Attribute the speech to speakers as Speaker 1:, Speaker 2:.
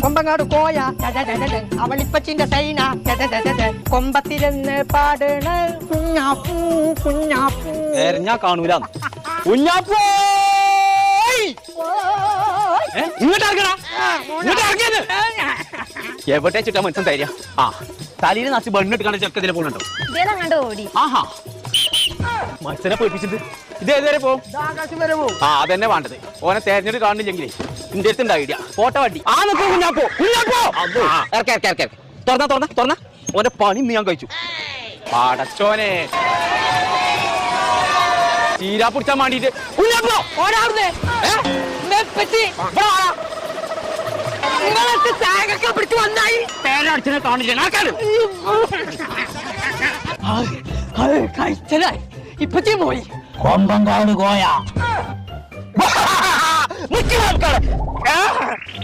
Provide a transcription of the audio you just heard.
Speaker 1: കൊമ്പങ്ങാട് കോയ അവളിപ്പച്ചിന്റെ സൈന കൊമ്പത്തിരുന്ന് പാടണ കുഞ്ഞാപ്പൂ കുഞ്ഞാപ്പൂ.
Speaker 2: ഞാൻ കാണൂല കുഞ്ഞാപ്പൂ. എവിടെ ചുറ്റാ മനസ്സിൽ തരിക. ആ തലയിൽ നാച്ച് ബണ്ണിട്ട് കാണാൻ ചെക്കതിലെ പോകുന്നുണ്ടോ? ആഹാ മത്സരം പേടിപ്പിച്ചിട്ട് ഇത് ഏതുവരെ പോകും? ആ അതെന്നെ വേണ്ടത്. ഓനെ തെരഞ്ഞെടുത്ത് കാണുന്നില്ലെങ്കിലേ ഇന്റെ അടുത്ത് ഉണ്ടാവില്ല. ഫോട്ടോ വണ്ടി ആ നിൽക്കും കുഞ്ഞാപ്പോ കുഞ്ഞാപ്പോ. തുറന്ന ഓന്റെ പണി ഇന്ന് ഞാൻ കഴിച്ചു. പടച്ചോനെ ചീരാ പിടിച്ചാൻ വേണ്ടിട്ട് കുഞ്ഞാപ്പോ പേരടിച്ചിനെ കാണില്ല.
Speaker 1: കഴിച്ചലായി ഇപ്പച്ചി പോയി.
Speaker 3: കൊമ്പങ്കാട് കോയ